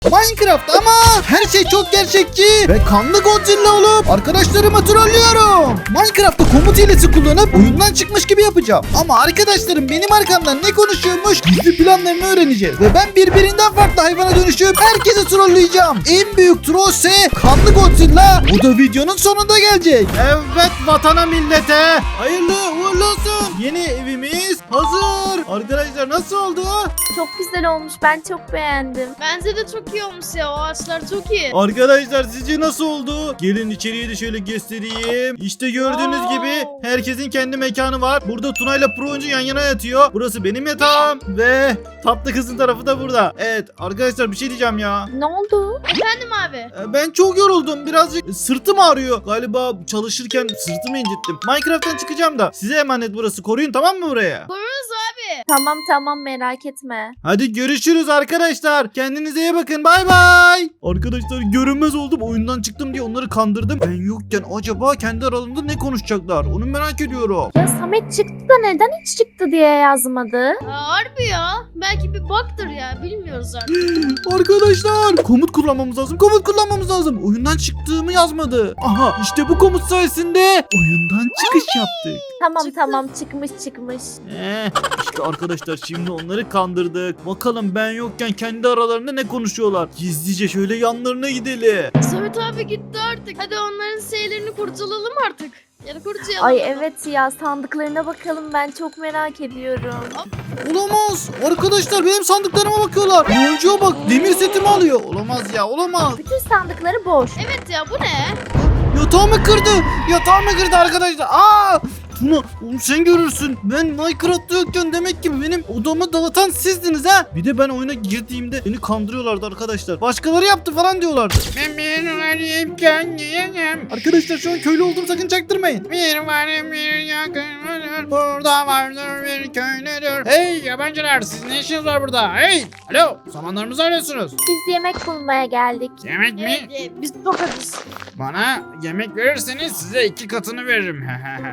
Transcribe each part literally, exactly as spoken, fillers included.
Minecraft ama her şey çok gerçekçi ve kanlı Godzilla olup arkadaşlarımı trollüyorum. Minecraft'ta komut hilesi kullanıp oyundan çıkmış gibi yapacağım. Ama arkadaşlarım benim arkamdan ne konuşuyormuş gizli planlarını öğreneceğiz. Ve ben birbirinden farklı hayvana dönüşüp herkesi trolleyeceğim. En büyük troll ise kanlı Godzilla. O da videonun sonunda gelecek. Evet vatana millete hayırlı uğurlu olsun. Yeni evimiz hazır. Arkadaşlar nasıl oldu? Çok güzel olmuş. Ben çok beğendim. Bence de çok iyi olmuş ya. O ağaçlar çok iyi. Arkadaşlar sizce nasıl oldu? Gelin içeriye de şöyle göstereyim. İşte gördüğünüz Wow. gibi herkesin kendi mekanı var. Burada Tuna ile Pro oyuncu yan yana yatıyor. Burası benim yatağım ve tatlı kızın tarafı da burada. Evet arkadaşlar bir şey diyeceğim ya. Ne oldu? Efendim abi. Ee, Ben çok yoruldum. Birazcık sırtım ağrıyor. Galiba çalışırken sırtımı incittim. Minecraft'tan çıkacağım da. Size emanet burası. Koruyun tamam mı buraya? Koruruz abi. Tamam tamam merak etme. Hadi görüşürüz arkadaşlar. Kendinize iyi bakın. Bay bay. Arkadaşlar görünmez oldum. Oyundan çıktım diye onları kandırdım. Ben yokken acaba kendi aralarında ne konuşacaklar? Onu merak ediyorum. Ya Samet çıktı da neden hiç çıktı diye yazmadı? Aa, harbi ya. Belki bir bug'dır ya. Bilmiyoruz artık. Arkadaşlar komut kullanmamız lazım. Komut kullanmamız lazım. Oyundan çıktığımı yazmadı. Aha işte bu komut sayesinde oyundan çıkış yaptık. Tamam Çıktı. tamam çıkmış çıkmış. Eh, işte arkadaşlar şimdi onları kandırdık. Bakalım ben yokken kendi aralarında ne konuşuyorlar. Gizlice şöyle yanlarına gidelim. Samet abi gitti artık. Hadi onların şeylerini kurtulalım artık. Ya da kurtulayalım. Ay evet ya sandıklarına bakalım ben çok merak ediyorum. Olamaz. Arkadaşlar benim sandıklarıma bakıyorlar. Oyuncuya bak demir setimi alıyor. Olamaz ya olamaz. Bütün sandıkları boş. Evet ya bu ne? Yatağımı kırdı. Yatağımı kırdı arkadaşlar. Aa! Tuna oğlum sen görürsün. Ben Minecraft'ta yokken demek ki benim odamı dağıtan sizdiniz ha. Bir de ben oyuna girdiğimde beni kandırıyorlardı arkadaşlar. Başkaları yaptı falan diyorlardı. Ben bir varayım kendiyim. Arkadaşlar şu an köylü oldum sakın çaktırmayın. Bir varım bir yakın burada vardır bir köylüdür. Hey yabancılar siz ne işiniz var burada? Hey alo samanlarımızı arıyorsunuz. Biz yemek bulmaya geldik. Yemek mi? Evet, e, biz çok acız. Bana yemek verirseniz size iki katını veririm.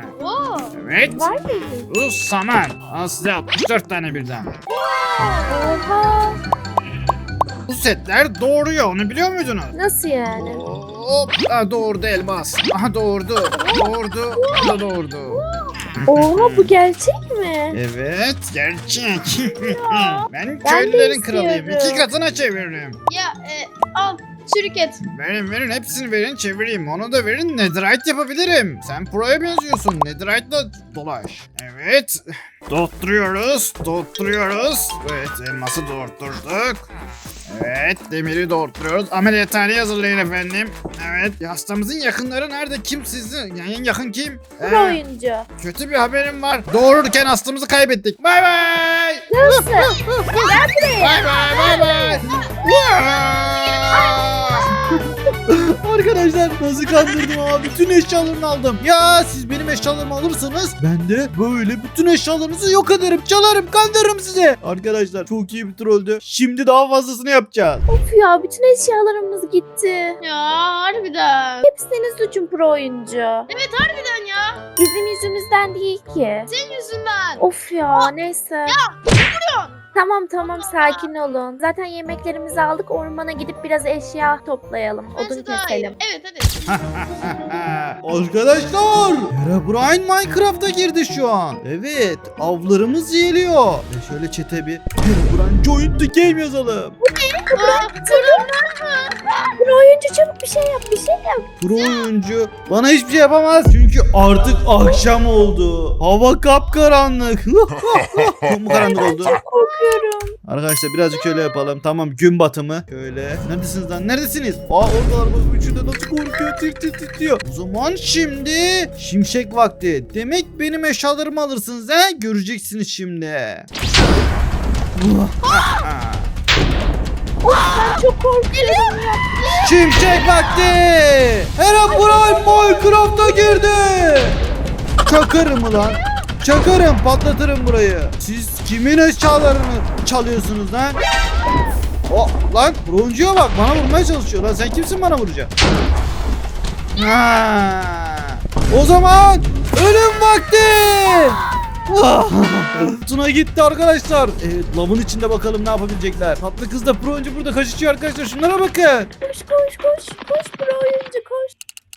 Oo. Evet. Var mı? Bu saman. Al size altmış dört tane birden. Oha. Bu setler doğuruyor onu biliyor muydunuz? Nasıl yani? Hop. Ha, doğurdu elmas. Aha doğurdu. Doğurdu. Bu da doğurdu. Oha bu gerçek mi? Evet gerçek. Ben Ben köylülerin de kralıyım. istiyorum. İki katına çeviririm. Ya e, al. Çürük et. Verin verin hepsini verin çevireyim. Onu da verin netherite yapabilirim. Sen pro'ya benziyorsun. Netherite'la dolaş. Evet. Doğutturuyoruz. Doğutturuyoruz. Evet elması doğurtturduk. Evet demiri doğurtturuyoruz. Ameliyathaneyi hazırlayın efendim. Evet hastamızın yakınları nerede? Kim sizin? Yani en yakın kim? Pro Ee, oyuncu. kötü bir haberim var. Doğururken hastamızı kaybettik. Bay bay. Nasıl? Bay bay bay bay. Arkadaşlar nasıl kandırdım ama bütün eşyalarını aldım. Ya siz benim eşyalarımı alırsanız ben de böyle bütün eşyalarınızı yok ederim, çalarım, kandırırım size. Arkadaşlar çok iyi bir trolldü. Şimdi daha fazlasını yapacağız. Of ya bütün eşyalarımız gitti. Ya harbiden. Hep senin suçun pro oyuncu. Evet harbiden ya. Bizim yüzümüzden değil ki. Senin yüzünden. Of ya neyse. Ya vuruyorsun. Tamam tamam sakin olun. Zaten yemeklerimizi aldık ormana gidip biraz eşya toplayalım. Odun Bence daha iyi. keselim. Evet hadi. Arkadaşlar Herobrine Minecraft'a girdi şu an. Evet avlarımız geliyor. Ve şöyle çete bir Herobrine join the game yazalım. Aa, Pro oyuncu çabuk bir şey yap bir şey yap. Pro oyuncu bana hiçbir şey yapamaz. Çünkü artık akşam oldu. Hava kapkaranlık. Çok mu karanlık oldu? Çok korkuyorum. Arkadaşlar birazcık şöyle yapalım. Tamam gün batımı. Şöyle. Neredesiniz lan? Neredesiniz? Aa oradalar bak. Üçü de nasıl korkuyor. Tir tir titriyor. O zaman şimdi şimşek vakti. Demek benim eşyalarımı alırsınız he? Göreceksiniz şimdi. Ben çok korkuyorum. Şimşek vakti. Herobrine Minecraft'a girdi. Çakarım ulan. Çakarım patlatırım burayı. Siz kimin eşyalarını çalıyorsunuz lan? Oh, lan broncuya bak bana vurmaya çalışıyor lan sen kimsin bana vuracaksın? Ha. O zaman ölüm vakti. Ah! Tuna gitti arkadaşlar. Evet, lavın içinde bakalım ne yapabilecekler. Tatlı kız da pro oyuncu burada kaçışıyor arkadaşlar. Şunlara bakın. Koş koş koş. Koş pro oyuncu koş.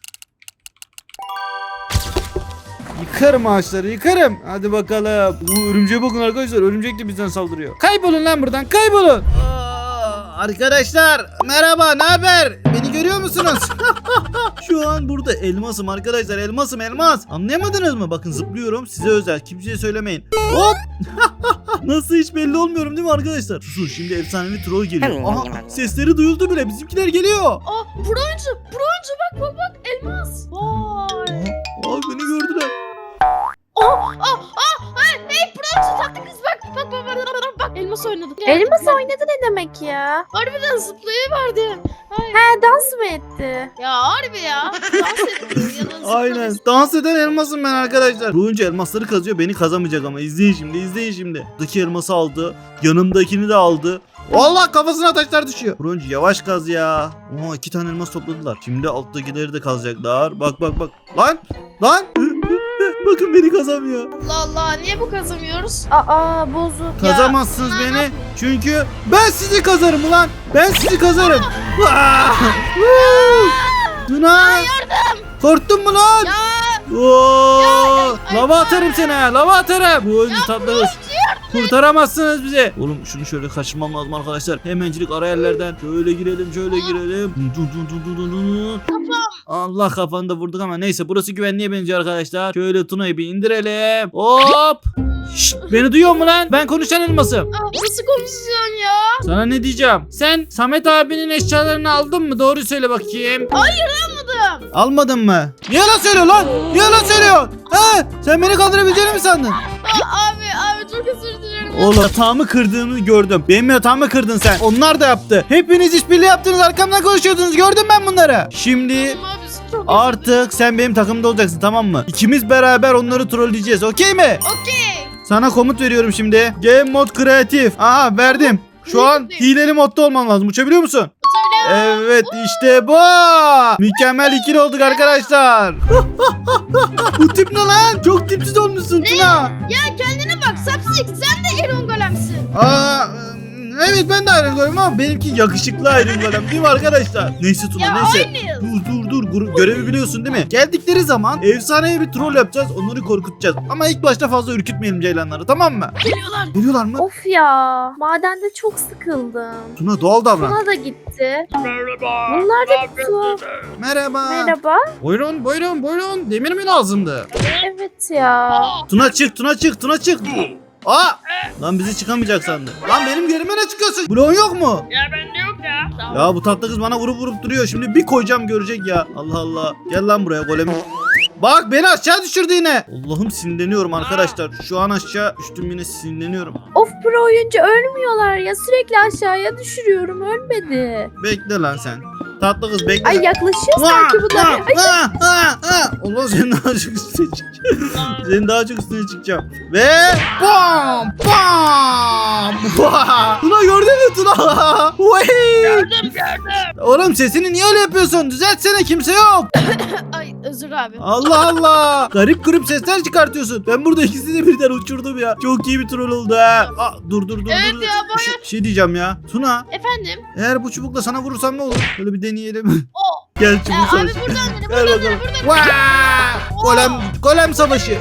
Yıkarım ağaçları, yıkarım. Hadi bakalım. Bu örümceğe bakın arkadaşlar. Örümcek de bizden saldırıyor. Kaybolun lan buradan, kaybolun. Aa, arkadaşlar merhaba, ne haber? Beni görüyor musunuz? Şu an burada elmasım arkadaşlar. Elmasım, elmas. Anlayamadınız mı? Bakın zıplıyorum. Size özel. Kimseye söylemeyin. Hop. Nasıl, hiç belli olmuyorum değil mi arkadaşlar? Sus, şimdi efsanevi troll geliyor. Aha, sesleri duyuldu bile. Bizimkiler geliyor. Aa pro oyuncu. Pro oyuncu bak bak bak. Elmas. Vay. Aa, beni gördüler. Aa aa aa. Hey pro oyuncu tatlı kız bak. Bak bak bak bak. Bak elmas oynadı. Elmas oynadı ne demek ya? Harbiden zıplayıverdi. Hayır. He dans mı etti? Ya harbi ya. Dans etti. Ya da zıpladı. Aynen. Dans eden elmasım ben arkadaşlar. Bu oyuncu elmasları kazıyor. Beni kazamayacak ama. İzleyin şimdi, izleyin şimdi. Buradaki elması aldı. Yanımdakini de aldı. Allah, kafasına taşlar düşüyor. Bu oyuncu yavaş kaz ya. Oo, iki tane elmas topladılar. Şimdi alttakileri de kazacaklar. Bak bak bak. Lan. Lan. Bakın beni kazamıyor. Allah Allah. Niye bu kazamıyoruz? Aa bozuk. Kazamazsınız beni. Çünkü ben sizi kazarım ulan. Ben sizi kazarım. Ah! Woo! Tuna. Korktun mu lan? Ya. Oo! Lava atarım seni ha. Lava atarım. Bu oyuncu tatlı. Kurtaramazsınız bizi. Oğlum şunu şöyle kaçırmam lazım arkadaşlar. Hemencilik ara yerlerden. Şöyle girelim, şöyle girelim. Dun dun dun dun dun dun. Allah, kafanı da vurduk ama neyse, burası güvenliğe benziyor arkadaşlar. Şöyle Tuna'yı bir indirelim. Hop. Şşt, beni duyuyor mu lan? Ben konuşan elmasım. Aa, nasıl konuşacaksın ya? Sana ne diyeceğim? Sen Samet abinin eşyalarını aldın mı? Doğru söyle bakayım. Hayır almadım. Almadın mı? Niye yalan söylüyor lan? Niye yalan söylüyor? He? Sen beni kandırabileceğini mi sandın? Aa, abi abi çok özür dilerim. Oğlum, yatağımı kırdığını gördüm. Benim yatağımı kırdın sen. Onlar da yaptı. Hepiniz işbirliği yaptınız. Arkamdan konuşuyordunuz. Gördüm ben bunları. Şimdi Tamam abi çok özür artık sen benim takımda olacaksın, tamam mı? İkimiz beraber onları trolleyeceğiz. Okey mi? Okey. Sana komut veriyorum şimdi. Game mod kreatif. Aha, verdim. Şu an hileli modda olman lazım. Uçabiliyor musun? Söyle. Evet, işte bu. Mükemmel ikili olduk arkadaşlar. Bu tip ne lan? Çok tipsiz olmuşsun Tuna. Ya kendine bak Sapsik sen de Iron Golem'sin. Aa, evet, ben de Iron Golem ama benimki yakışıklı Iron Golem değil mi arkadaşlar? Neyse Tuna, Ya neyse. aynıyız. Dur dur dur Gru- görevi biliyorsun değil mi? Geldikleri zaman efsaneye bir troll yapacağız, onları korkutacağız. Ama ilk başta fazla ürkütmeyelim ceylanları, tamam mı? Geliyorlar. Geliyorlar mı? Of ya. Madende çok sıkıldım. Tuna, doğal davran. Tuna da gitti. Bunlar da gitti. Merhaba. Merhaba. Buyurun buyurun buyurun, demir mi lazımdı? Evet ya. Tuna çık, Tuna çık, Tuna çık. Aa! Lan bizi çıkamayacak sandı. Lan benim yerime ne çıkıyorsun? Bloğun yok mu? Ya bende yok ya. Tamam. Ya bu tatlı kız bana vurup vurup duruyor. Şimdi bir koyacağım, görecek ya. Allah Allah. Gel lan buraya golemi. Bak, beni aşağı düşürdü yine. Allah'ım, sinirleniyorum arkadaşlar. Şu an aşağı düştüm, yine sinirleniyorum. Of pro oyuncu ölmüyorlar ya. Sürekli aşağıya düşürüyorum. Ölmedi. Bekle lan sen. Tatlı kız bekle. Ay yaklaşıyor sanki bunlar. Ay, Ah, ah, ah. Allah, senin daha çok üstüne çıkacağım. Senin daha çok üstüne çıkacağım. Ve bam bam. Tuna, gördün mü Tuna? Gördüm gördüm. Oğlum, sesini niye öyle yapıyorsun? Düzeltsene, kimse yok. Ay özür abi. Allah Allah. Garip garip sesler çıkartıyorsun. Ben burada ikisini de birden uçurdum ya. Çok iyi bir troll oldu ha. Aa, dur dur dur. Evet dur. ya, bayağı- Bir şey, bir şey diyeceğim ya. Tuna, Efendim? eğer bu çubukla sana vurursam ne olur? Böyle bir deneyelim. O. Gel Ee, çubuk abi savaşı. buradan dene Gel buradan bakalım. dene buradan dene. Vaa! Golem, golem savaşı.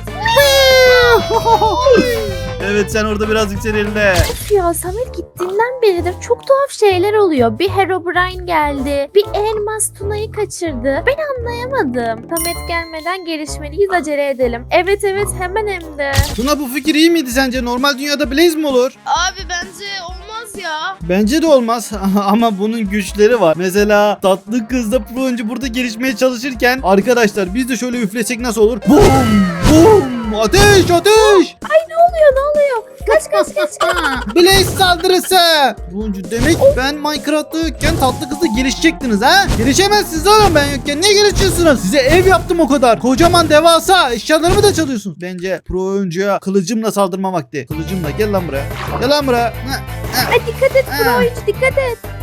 Evet, sen orada biraz yükselirle. Of ya Samet gittiğinden beridir çok tuhaf şeyler oluyor. Bir Herobrine geldi. Bir elmas Tuna'yı kaçırdı. Ben anlayamadım. Samet gelmeden gelişmeliyiz, acele edelim. Evet evet hemen hem de. Tuna, bu fikir iyi miydi sence? Normal dünyada Blaze mi olur? Abi bence olmaz ya. Bence de olmaz ama bunun güçleri var. Mesela tatlı kız da pro oyuncu burada gelişmeye çalışırken arkadaşlar biz de şöyle üflesek nasıl olur? Bum! Bum! Ateş! Ateş! Ne oluyor ne oluyor? Kaç kaç kaç kaç. Blaze saldırısı! Pro oyuncu, demek ben Minecraft'ta yokken tatlı kızla gelişecektiniz ha? Gelişemezsiniz oğlum, ben yokken niye gelişiyorsunuz? Size ev yaptım o kadar. Kocaman devasa eşyalarımı da çalıyorsunuz. Bence pro oyuncuya kılıcımla saldırma vakti. Kılıcımla, gel lan buraya. Gel lan buraya. Ay dikkat et pro oyuncu dikkat et.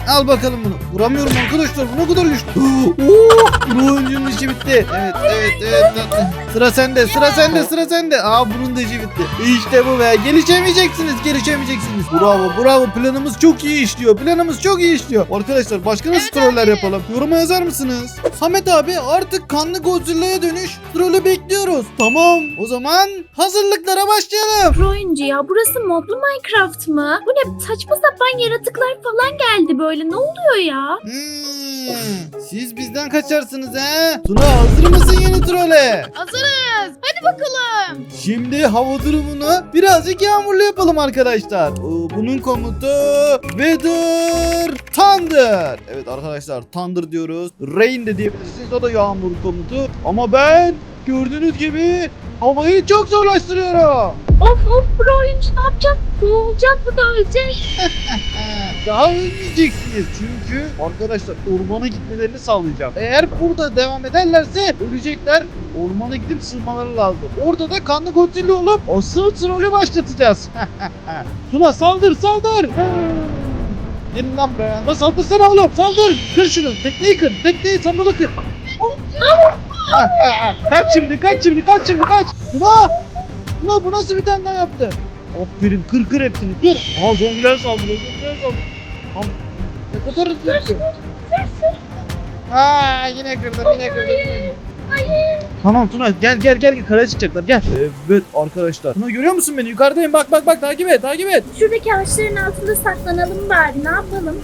Al bakalım bunu. Vuramıyorum arkadaşlar. Bu ne kadar güçlü. Oo, bu oyuncunun işi bitti. Evet evet evet. Sıra sende sıra sende sıra sende. Aa bunun da işi bitti. İşte bu be. Gelişemeyeceksiniz gelişemeyeceksiniz. Bravo bravo. Planımız çok iyi işliyor. Planımız çok iyi işliyor. Arkadaşlar başka nasıl Evet troller abi. yapalım? Yoruma yazar mısınız? Samet abi artık kanlı Godzilla'ya dönüş. Trolü bekliyoruz. Tamam. O zaman hazırlıklara başlayalım. Pro oyuncu ya, burası modlu Minecraft mı? Bu ne saçma sapan yaratıklar falan geldi böyle, ne oluyor ya? Hmm, siz bizden kaçarsınız he? Tuna hazır mısın yeni trole? Hazırız. Hadi bakalım. Şimdi hava durumunu birazcık yağmurlu yapalım arkadaşlar. Ee, Bunun komutu Weather Thunder. Evet arkadaşlar Thunder diyoruz. Rain de diyebilirsiniz. O da yağmur komutu. Ama ben gördüğünüz gibi havayı çok zorlaştırıyorum. Of of, pro oyuncu ne yapacağız? Ne olacak, bu da ölecek. Daha ölmeyeceksiniz çünkü arkadaşlar ormana gitmelerini sağlayacağım. Eğer burada devam ederlerse ölecekler. Ormana gidip sığmaları lazım. Orada da kanlı Godzilla olup asıl trolü başlatacağız. Tuna saldır saldır. Gelin lan buraya. Lan saldırsana oğlum saldır. Kır şunu. Tekneyi kır. Tekneyi sandalı kır. Kaç şimdi kaç şimdi kaç şimdi kaç. Tuna. Tuna bu nasıl bir tane daha yaptı? Aferin kır kır hepsini kır. Aa zombiler saldırıyor zombiler saldırıyor. Am ne kadar hızlı yapıyor. Aa yine kırdım yine kırdım. Hayır. Tamam Tuna gel gel gel karaya çıkacaklar gel. Evet arkadaşlar. Tuna görüyor musun beni? Yukarıdayım bak bak bak takip et takip et. Şuradaki ağaçların altında saklanalım bari, ne yapalım?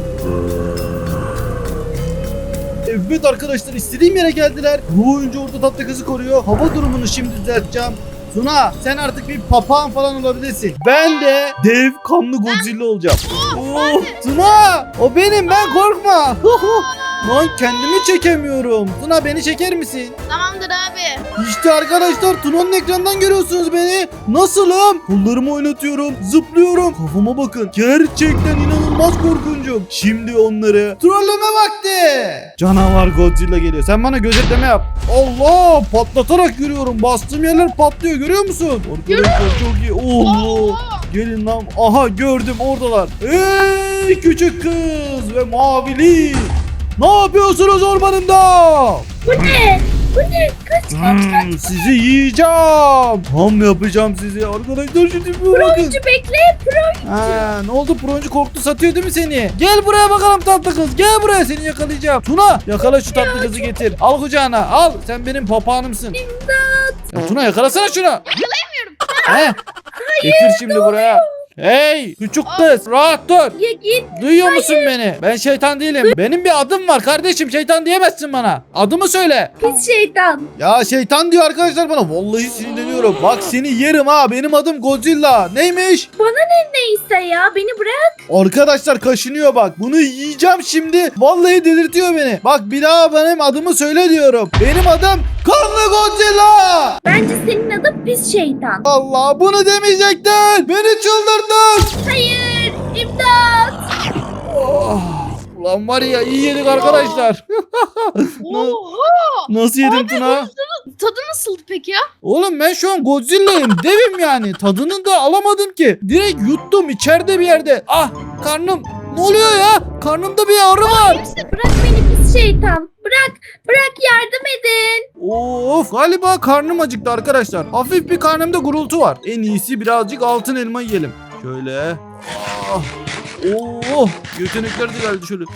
Evet arkadaşlar istediğim yere geldiler. Bu oyuncu orada tatlı kızı koruyor. Hava durumunu şimdi düzelteceğim. Tuna sen artık bir papağan falan olabilirsin. Ben de dev kanlı Godzilla olacağım. Oh, Tuna o benim ben korkma. Lan kendimi çekemiyorum. Tuna beni çeker misin? Tamamdır abi. İşte arkadaşlar Tuna'nın ekrandan görüyorsunuz beni. Nasılım? Kollarımı oynatıyorum, zıplıyorum. Kafama bakın. Gerçekten inanılmaz korkuncum. Şimdi onları trolleme vakti. Canavar Godzilla geliyor. Sen bana gözetleme yap. Allah! Patlatarak yürüyorum. Bastığım yerler patlıyor. Görüyor musun? Arkadaşlar çok iyi. Oo! Gelin lan. Aha gördüm oradalar. Ey küçük kız ve mavili. Ne yapıyorsunuz ormanımda? Bu ne? Bu ne? Kaç kaç kaç. Hmm, sizi yiyeceğim. Ham yapacağım sizi. Arkadaşlar şimdi bir bakın. Oyuncu bekle, pro. Ha, ne oldu? Proncu korktu satıyor değil mi seni? Gel buraya bakalım tatlı kız. Gel buraya seni yakalayacağım. Tuna yakala şu tatlı kızı getir. Al kucağına al. Sen benim papağanımsın. İmdat. Ya Tuna yakalasana şunu. Yakalayamıyorum. He? Getir şimdi buraya. Hey küçük kız rahat dur. Ya git. Duyuyor musun beni? Ben şeytan değilim. Benim bir adım var kardeşim. Şeytan diyemezsin bana. Adımı söyle. Pis şeytan. Ya şeytan diyor arkadaşlar bana. Vallahi sinirleniyorum. Bak seni yerim ha. Benim adım Godzilla. Neymiş? Bana ne neyse ya, beni bırak. Arkadaşlar kaşınıyor bak. Bunu yiyeceğim şimdi. Vallahi delirtiyor beni. Bak bir daha benim adımı söyle diyorum. Benim adım Kanlı Godzilla. Bence senin adın pis şeytan. Allah bunu demeyecektin. Beni çıldırdın. Hayır, imdat. Oh, ulan var ya iyi yedik arkadaşlar. Oha. Nasıl yedim Tuna? Tadı nasıldı peki ya? Oğlum ben şu an Godzilla'yım. Devim yani. Tadını da alamadım ki. Direkt yuttum içeride bir yerde. Ah karnım. Ne oluyor ya? Karnımda bir ağrı var. Bırak beni pis şeytan. Bırak, bırak, yardım edin. Of galiba karnım acıktı arkadaşlar. Hafif bir karnımda gurultu var. En iyisi birazcık altın elma yiyelim. Şöyle. Ah. Oh, götenekler de geldi şöyle.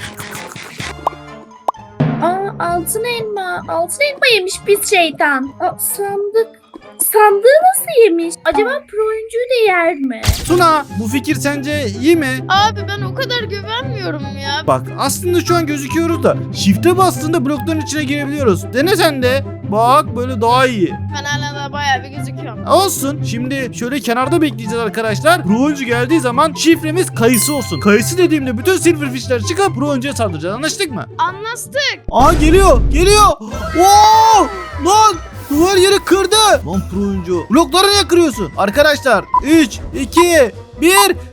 Aa, altın elma. Altın elma yemiş pis şeytan. Aa, sandık. Sandığı nasıl yemiş? Acaba pro oyuncuyu da yer mi? Tuna bu fikir sence iyi mi? Abi ben o kadar güvenmiyorum ya. Bak aslında şu an gözüküyoruz da shift'e bastığında blokların içine girebiliyoruz. Dene sen de. Bak böyle daha iyi. Ben hala da bayağı bir gözüküyorum. Olsun. Şimdi şöyle kenarda bekleyeceğiz arkadaşlar. Pro oyuncu geldiği zaman şifremiz kayısı olsun. Kayısı dediğimde bütün silverfishler çıkıp pro oyuncuya saldıracağız. Anlaştık mı? Anlaştık. Aa geliyor. Geliyor. Oo! Lan! Duvar yeri kırdı. Lan pro oyuncu. Blokları niye kırıyorsun? Arkadaşlar üç, iki, bir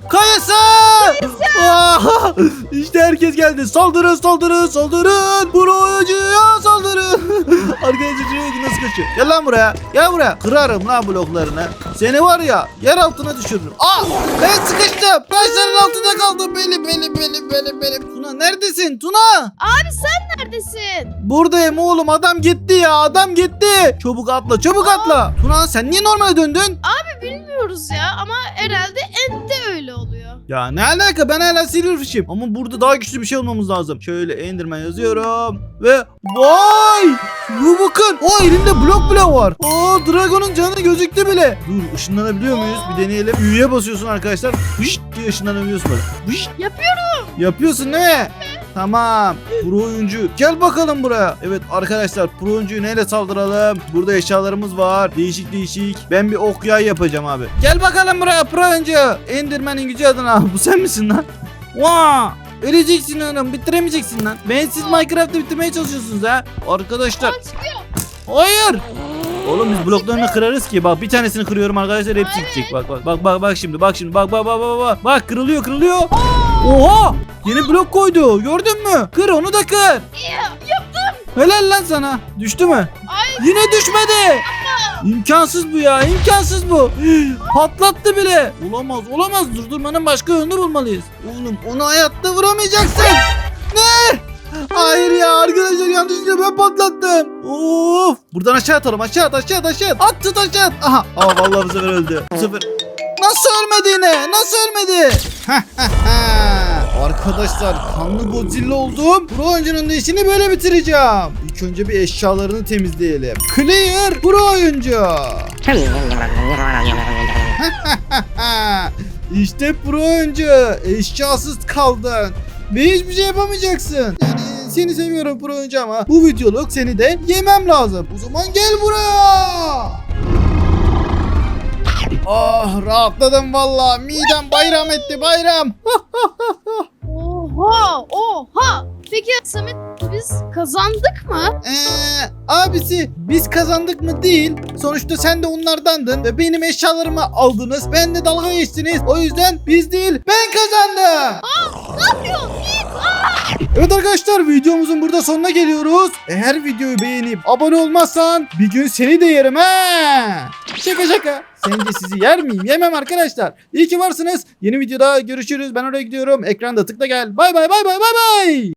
Kayası! Aa, İşte herkes geldi. Saldırın saldırın saldırın. Pro'ya saldırın. Arkadaşlar şuraya nasıl kaçıyor? Gel lan buraya. Gel buraya. Kırarım lan bloklarını. Seni var ya yer altına düşürürüm. Aa, ben sıkıştım. Taşların altında kaldım. Benim benim benim benim benim. Tuna neredesin Tuna? Abi sen neredesin? Buradayım oğlum, adam gitti ya, adam gitti. Çabuk atla, çabuk atla. Tuna sen niye normale döndün? Abi bilmiyoruz ya ama herhalde Ent'te öyle oluyor. Ya ne alaka, ben hala Silverfish'im. Ama burada daha güçlü bir şey olmamız lazım. Şöyle Enderman yazıyorum. Ve vay! Bu bakın. O elimde blok bile var. Aa, Dragon'un canı gözüktü bile. Dur, ışınlanabiliyor muyuz? Bir deneyelim. Ü'ye basıyorsun arkadaşlar. Hışt diye ışınlanabiliyorsun böyle. Hışt. Yapıyorum. Yapıyorsun değil mi? Tamam. Pro oyuncu. Gel bakalım buraya. Evet arkadaşlar, pro oyuncuyu neyle saldıralım? Burada eşyalarımız var. Değişik değişik. Ben bir ok yay yapacağım abi. Gel bakalım buraya pro oyuncu. Enderman'in gücü adına. Bu sen misin lan? Vaa! Öleceksin oğlum. Bitiremeyeceksin lan. Ben siz Minecraft'ı bitirmeye çalışıyorsunuz ha. Arkadaşlar. Aa, çıkıyor. Hayır. Oğlum biz bloklarını kırarız ki. Bak bir tanesini kırıyorum arkadaşlar, hepsi Evet. gidecek. Bak bak bak bak bak şimdi. Bak şimdi. Bak bak bak bak bak. Bak kırılıyor kırılıyor. Oha! Yeni blok koydu. Gördün mü? Kır onu da kır. Ya, yaptım. Helal lan sana. Düştü mü? Ay. Yine düşmedi. İmkansız bu ya. İmkansız bu. Patlattı bile. Olamaz olamaz. Durdurmanın başka yolunu bulmalıyız. Oğlum onu hayatta vuramayacaksın. Ne? Hayır ya arkadaşlar, yanlışlıkla ben patlattım. Of. Buradan aşağı atalım. Aşağı at aşağı at aşağı at. At tut aşağı at. Aha. Aa, vallahi bu sefer öldü. Bu sefer. Nasıl ölmedi yine? Nasıl ölmedi? Arkadaşlar kanlı Godzilla oldum. Pro oyuncunun da işini böyle bitireceğim. İlk önce bir eşyalarını temizleyelim. Clear pro oyuncu. İşte pro oyuncu. Eşyasız kaldın. Ve hiçbir şey yapamayacaksın. Yani seni seviyorum pro oyuncu ama bu videoluk seni de yemem lazım. O zaman gel buraya. Oh, rahatladım valla. Midem bayram etti, bayram. Oha oha. Peki Samet biz kazandık mı? Eee abisi, biz kazandık mı değil. Sonuçta sen de onlardandın ve benim eşyalarımı aldınız. Ben de dalga geçtiniz. O yüzden biz değil, ben kazandım. Ne yapıyorsun? Git. Evet arkadaşlar, videomuzun burada sonuna geliyoruz. Eğer videoyu beğenip abone olmazsan bir gün seni de yerim ha. Şaka şaka. Sence sizi yer miyim? Yemem arkadaşlar. İyi ki varsınız. Yeni videoda görüşürüz. Ben oraya gidiyorum. Ekranda tıkla gel. Bay bay bay bay bay bay.